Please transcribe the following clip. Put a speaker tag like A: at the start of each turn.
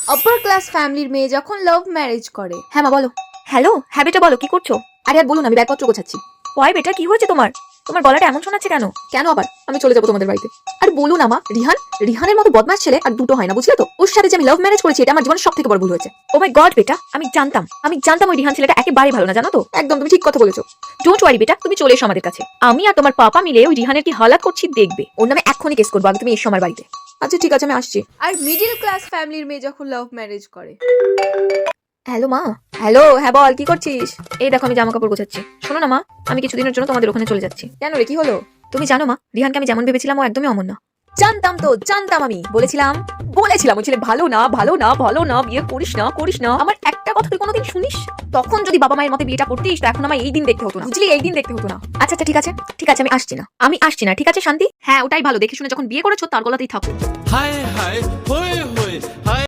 A: Upper class ফ্যামিলির মেয়ে যখন লাভ ম্যারেজ করে।
B: হ্যাঁ মা বলো। হ্যালো, হ্যাঁ বেটা বলো, কি করছো?
A: আরে আর বলুন, আমি ব্যাগপত্র গোছাচ্ছি।
B: ওই বেটা, কি হয়েছে তোমার? তোমার গলাটা এমন শোনাচ্ছে কেন?
A: কেন আবার? আমি চলে যাবো তোমাদের বাড়িতে। আর বলুন আমা, রিহানের মতো বদমাশ ছেলে আর দুটো হয় না, বুঝলে তো? ওর সাথে যে আমি লাভ ম্যারেজ করেছি, এটা আমার জীবনের সবথেকে বড় ভুল হয়েছে।
B: ও মাই গড বেটা, আমি জানতাম ওই রিহান ছেলেটা একেবারে ভালো না, জানো তো?
A: একদম তুমি ঠিক কথা বলেছো।
B: ডোন্ট ওয়ারি বেটা, তুমি চলে এসো আমাদের কাছে। আমি আর তোমার পাপা মিলে ওই রিহানের কি হালাত করছি দেখবে। ওর নামে এক্ষুনি কেস করবো, আগে তুমি এসো আমার বাড়িতে।
A: আচ্ছা ঠিক আছে, আমি আসছি। আর মিডিল ক্লাস ফ্যামিলির মেয়ে যখন লাভ ম্যারেজ করে।
B: হ্যালো মা। হ্যালো, হ্যাঁ বল, কি করছিস? এই দেখো, আমি জামা কাপড় গোছাচ্ছি। শোনো না মা, আমি কিছুদিনের জন্য তোমাদের ওখানে চলে যাচ্ছি।
A: কেন রে, কি হলো?
B: তুমি জানো মা, রিহানকে আমি যেমন ভেবেছিলাম ও একদমই অমন না।
A: জানতাম আমি বলেছিলাম ওই ছেলে ভালো না, বিয়ে করিস না।
B: আমার একটা কথা তুই কোনোদিন শুনিস? তখন যদি বাবা মায়ের মতে বিয়েটা করতিস, তো এখন আমার এই দিন দেখতে হতো না,
A: বুঝলি, এই দিন দেখতে হতো না।
B: আচ্ছা ঠিক আছে, আমি আসছি না, ঠিক আছে শান্তি? হ্যাঁ ওটাই ভালো, দেখে শুনে যখন বিয়ে করেছো তার গলাতেই থাকো।
C: হায় হায় হয়ে হয়ে হায়